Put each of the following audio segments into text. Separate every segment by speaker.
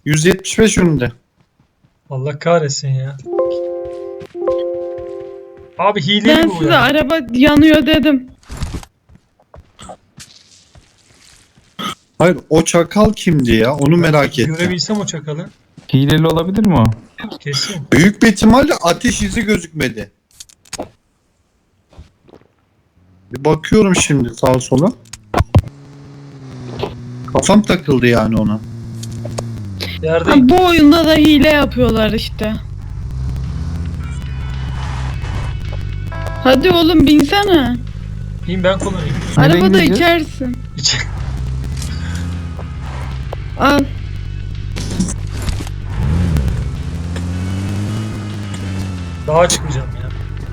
Speaker 1: 175 önünde.
Speaker 2: Allah kahretsin ya. Abi hileli
Speaker 3: Ben
Speaker 2: bu
Speaker 3: size
Speaker 2: ya.
Speaker 3: araba yanıyor dedim.
Speaker 1: Hayır, o çakal kimdi ya? Onu merak ettim.
Speaker 2: Görebilsem o çakalı.
Speaker 4: Hileli olabilir mi o?
Speaker 2: Kesin.
Speaker 1: Büyük bir ihtimalle ateş izi gözükmedi. Bir bakıyorum şimdi sağa sola. Kafam takıldı yani ona.
Speaker 2: Yerde
Speaker 3: Ha, bu oyunda da hile yapıyorlar işte. Hadi oğlum binsene.
Speaker 2: İyiyim, ben kullanayım.
Speaker 4: Nereye
Speaker 3: Arabada
Speaker 4: gideceğiz?
Speaker 3: içersin.
Speaker 2: İç-
Speaker 3: Al.
Speaker 2: Dağa çıkmayacağım ya.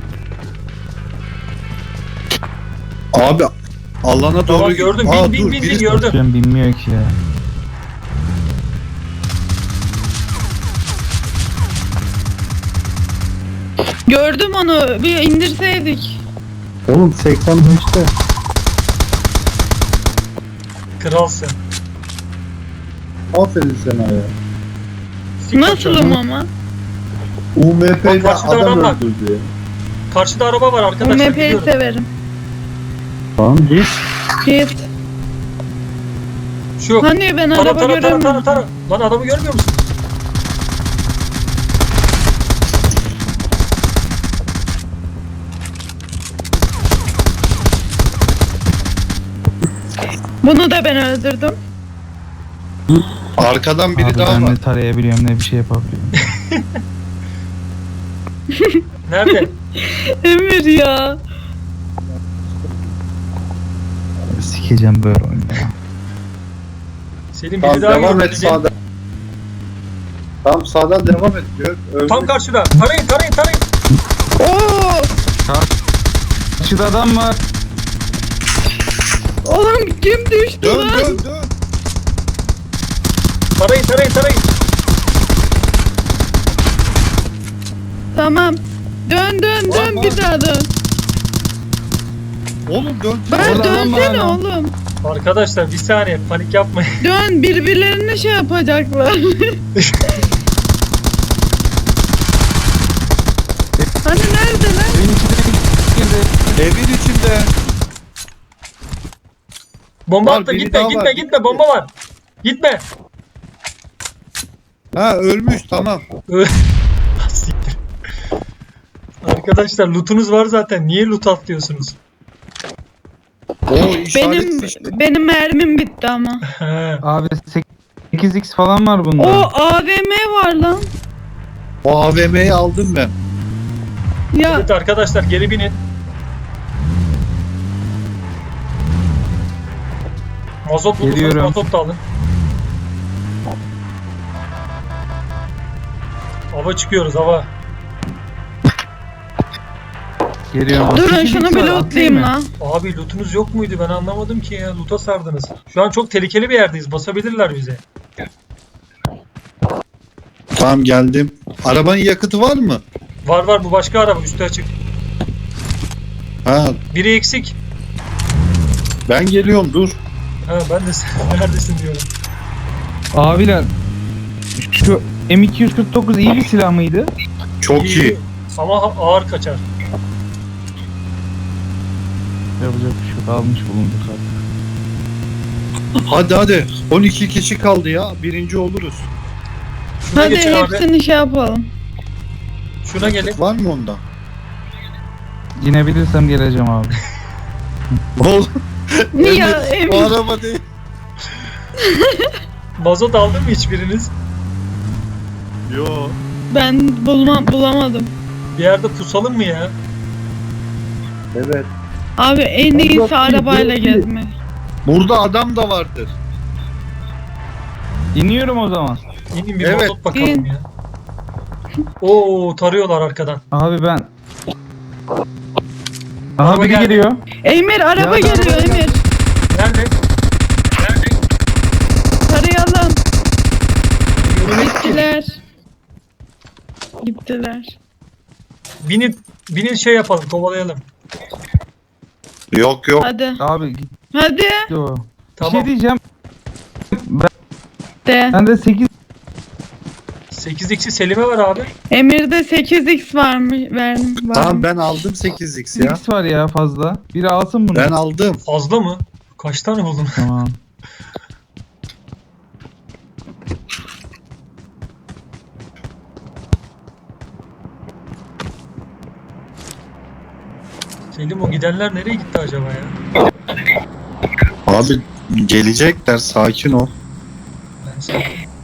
Speaker 1: Abi alana doğru...
Speaker 2: Tamam, gördüm.
Speaker 1: Aa,
Speaker 2: Bin
Speaker 1: dur,
Speaker 2: bin
Speaker 1: biri-
Speaker 2: gördüm.
Speaker 4: Ben bilmiyor ki ya.
Speaker 3: Gördüm onu. Bir indirseydik.
Speaker 1: Oğlum 85'te.
Speaker 2: Kralsın.
Speaker 1: Aferin sana ya.
Speaker 2: Sik
Speaker 3: Nasılım
Speaker 2: kaçıyor.
Speaker 3: ama?
Speaker 1: UMP'de
Speaker 2: karşıda
Speaker 1: adam
Speaker 2: adam var.
Speaker 1: öldürdü ya.
Speaker 2: Karşıda araba var
Speaker 3: Bu
Speaker 2: arkadaşlar.
Speaker 3: MP'yi
Speaker 2: Gidiyorum.
Speaker 3: severim.
Speaker 1: Tamam git.
Speaker 3: Git.
Speaker 2: Şu.
Speaker 3: Hani ben
Speaker 2: Tara
Speaker 3: araba
Speaker 2: tara tara tara
Speaker 3: göremiyorum.
Speaker 2: tara. Lan adamı görmüyor musun?
Speaker 3: Bunu da ben öldürdüm.
Speaker 1: Arkadan biri
Speaker 4: Abi
Speaker 1: daha
Speaker 4: ben
Speaker 1: var.
Speaker 4: ne tarayabiliyorum ne bir şey yapabiliyorum.
Speaker 2: Nerede?
Speaker 3: Emir ya.
Speaker 4: Sikeceğim böyle oyunu ya.
Speaker 2: Selim
Speaker 1: Tamam
Speaker 2: biri daha
Speaker 1: devam
Speaker 2: gördü.
Speaker 1: et sağdan. Tamam sağdan devam et.
Speaker 2: Tam karşıda. Tarayın tarayın tarayın.
Speaker 3: Oo!
Speaker 4: Karşıda adam var.
Speaker 3: Oğlum kim düştü
Speaker 1: Dön
Speaker 3: lan?
Speaker 1: dön dön.
Speaker 2: Tarayın tarayın tarayın.
Speaker 3: Tamam. Dön dön dön
Speaker 1: Var,
Speaker 3: bir
Speaker 1: var.
Speaker 3: daha dön.
Speaker 1: Oğlum dön.
Speaker 3: Ben
Speaker 4: Orada adam var
Speaker 3: dönsene
Speaker 4: lan.
Speaker 3: oğlum.
Speaker 2: Arkadaşlar bir saniye, panik yapmayın.
Speaker 3: Dön birbirlerine şey yapacaklar. Hani nerede lan?
Speaker 4: Evin içine girdi.
Speaker 1: Evin içinde.
Speaker 2: Bomba
Speaker 1: Var,
Speaker 2: attı,
Speaker 1: biri
Speaker 2: gitme
Speaker 1: daha
Speaker 2: gitme
Speaker 1: var.
Speaker 2: gitme, bomba var. Gitme.
Speaker 1: Ha ölmüş tamam.
Speaker 2: Siktir. Arkadaşlar lootunuz var zaten. Niye loot atlıyorsunuz?
Speaker 1: O işaret fişti.
Speaker 3: Benim mermim bitti ama.
Speaker 2: He.
Speaker 4: Abi 8x falan var bunda.
Speaker 3: O AVM var lan.
Speaker 1: O AVM'yi aldım ben.
Speaker 3: Ya
Speaker 2: Evet arkadaşlar, geri binin. Mazot bulursanız
Speaker 4: Geliyorum.
Speaker 2: mazot da alın. Hava çıkıyoruz, hava.
Speaker 4: Geliyorum.
Speaker 3: durun
Speaker 4: 8x
Speaker 3: şunu bir
Speaker 4: var,
Speaker 3: lootlayayım
Speaker 4: atlayayım mı?
Speaker 3: lan.
Speaker 2: Abi lootunuz yok muydu? Ben anlamadım ki ya. Loot'a sardınız. Şu an çok tehlikeli bir yerdeyiz. Basabilirler bize.
Speaker 1: Tamam geldim. Arabanın yakıtı var mı?
Speaker 2: Var var, bu başka araba. Üstü açık.
Speaker 1: Ha
Speaker 2: Biri eksik.
Speaker 1: ben geliyorum dur.
Speaker 2: Ha, ben de sen neredesin diyorum.
Speaker 4: Abiler şu M249 iyi bir silah mıydı?
Speaker 1: Çok iyi.
Speaker 2: Ama ağır kaçar.
Speaker 4: Yapacak bir şey yok. Almış bulunduk artık.
Speaker 1: Hadi hadi. 12 kişi kaldı ya. Birinci oluruz.
Speaker 2: Şuna
Speaker 3: Hadi
Speaker 2: geçin abi.
Speaker 3: hepsini şey yapalım.
Speaker 2: Şuna gelin.
Speaker 1: Var mı onda?
Speaker 4: İnebilirsem geleceğim abi.
Speaker 1: Oğlum.
Speaker 3: Ya
Speaker 1: Bu
Speaker 3: Emir.
Speaker 1: araba değil.
Speaker 2: Mazot aldın mı hiçbiriniz?
Speaker 1: Yo.
Speaker 3: Ben bulamadım.
Speaker 2: Bir yerde pusalım mı ya?
Speaker 1: Evet.
Speaker 3: Abi en iyisi arabayla gezmek.
Speaker 1: Burada adam da vardır.
Speaker 4: İniyorum o zaman.
Speaker 2: İnin bir
Speaker 1: Evet.
Speaker 2: mazot bakalım
Speaker 3: İn.
Speaker 2: ya. Oo, tarıyorlar arkadan.
Speaker 4: Abi ben... Aha
Speaker 2: Araba
Speaker 4: biri
Speaker 2: geldi.
Speaker 4: geliyor.
Speaker 3: Emir araba
Speaker 4: Ya,
Speaker 3: geliyor
Speaker 4: araba
Speaker 3: Emir.
Speaker 2: Nerede?
Speaker 3: Tarayalım.
Speaker 2: Görünüyor ki.
Speaker 3: Gittiler. Gittiler.
Speaker 2: Binin şey yapalım, kovalayalım.
Speaker 1: Yok yok.
Speaker 3: Hadi.
Speaker 4: Abi gitti
Speaker 3: Hadi.
Speaker 4: o. Bir
Speaker 2: Tamam.
Speaker 4: şey diyeceğim.
Speaker 3: De.
Speaker 4: Bende 8
Speaker 2: 8x'i Selim'e ver abi.
Speaker 3: Emir'de 8x var mı? Verdim.
Speaker 1: Tamam ben aldım 8x ya.
Speaker 4: X var ya fazla. Biri alsın bunu.
Speaker 1: Ben aldım.
Speaker 2: Fazla mı? Kaç tane buldun?
Speaker 4: Tamam.
Speaker 2: Selim o gidenler nereye gitti acaba ya?
Speaker 1: Abi gelecekler, sakin ol.
Speaker 2: Ben sana...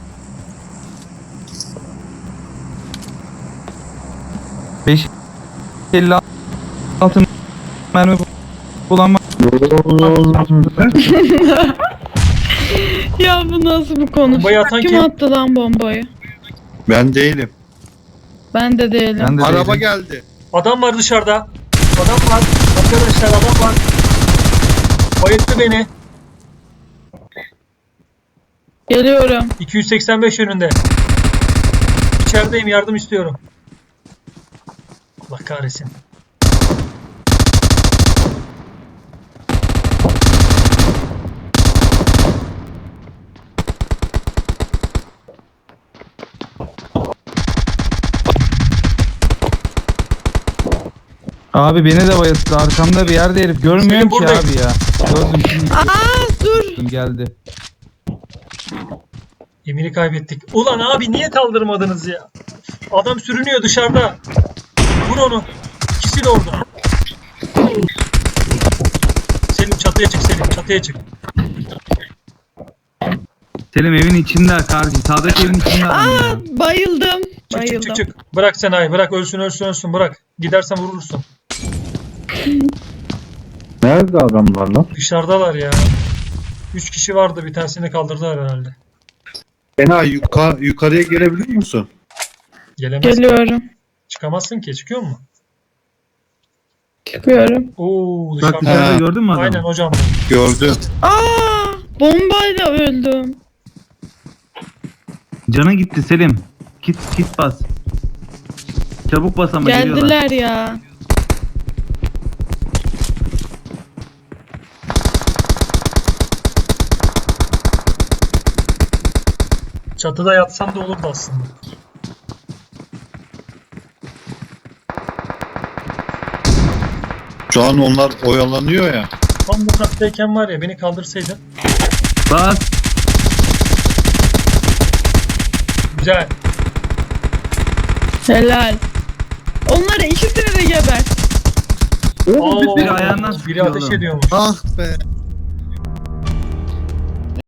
Speaker 4: 556 mermi kullanma.
Speaker 3: Ya bu nasıl bir konu?
Speaker 2: Bombayı atan
Speaker 3: Kim
Speaker 2: kim?
Speaker 3: attı lan bombayı?
Speaker 1: Ben değilim.
Speaker 3: Ben de değilim.
Speaker 4: Ben de
Speaker 1: Araba
Speaker 4: değilim.
Speaker 1: geldi.
Speaker 2: Adam var dışarıda. Adam var. Arkadaşlar adam var. Bayılttı beni.
Speaker 3: Geliyorum.
Speaker 2: 285 yönünde. İçerideyim, yardım istiyorum. Allah kahretsin.
Speaker 4: Abi beni de bayılttı. Arkamda bir yerde herif. Görmüyorum
Speaker 2: Selim
Speaker 4: ki
Speaker 2: buradayım.
Speaker 4: abi ya. Gördüm şimdi.
Speaker 3: Dur.
Speaker 4: Geldi.
Speaker 2: Emir'i kaybettik. Ulan abi niye kaldırmadınız ya? Adam sürünüyor dışarıda. Vur onu. İkisi de orada. Selim çatıya çık Selim. Çatıya çık.
Speaker 4: Selim evin içinde karşı. Sağdaki evin içinde adam ya.
Speaker 3: Bayıldım.
Speaker 2: Çık
Speaker 3: Bayıldım.
Speaker 2: çık çık çık. Bırak Sena'yı. Bırak ölsün bırak. Gidersen vurursun.
Speaker 1: Nerede adamlar lan?
Speaker 2: Dışarıdalar ya. 3 kişi vardı. Bir tanesini kaldırdılar herhalde.
Speaker 1: Fena yukarıya gelebiliyor musun?
Speaker 2: Gelemez.
Speaker 3: Geliyorum.
Speaker 2: Çıkamazsın ki. Çıkıyor mu?
Speaker 3: Çıkıyorum.
Speaker 2: Oo
Speaker 4: Bak
Speaker 2: dışarıda.
Speaker 4: dışarıda gördün mü adamı?
Speaker 2: Aynen hocam.
Speaker 1: Gördüm.
Speaker 3: Bombayla öldüm.
Speaker 4: Cana gitti Selim. Kit bas. Çabuk bas ama geliyorlar.
Speaker 3: Geldiler ya.
Speaker 2: Çatıda yatsam da olurdu aslında.
Speaker 1: Şu an onlar oyalanıyor ya.
Speaker 2: Tam bu kattayken var ya beni kaldırsaydın.
Speaker 4: Bas.
Speaker 2: Güzel.
Speaker 3: Helal. Onları ikisini de geber.
Speaker 2: Oo,
Speaker 4: biri ayağından
Speaker 2: biri
Speaker 4: sıkıyor
Speaker 2: ateş
Speaker 4: oğlum.
Speaker 2: ediyormuş.
Speaker 1: Ah be.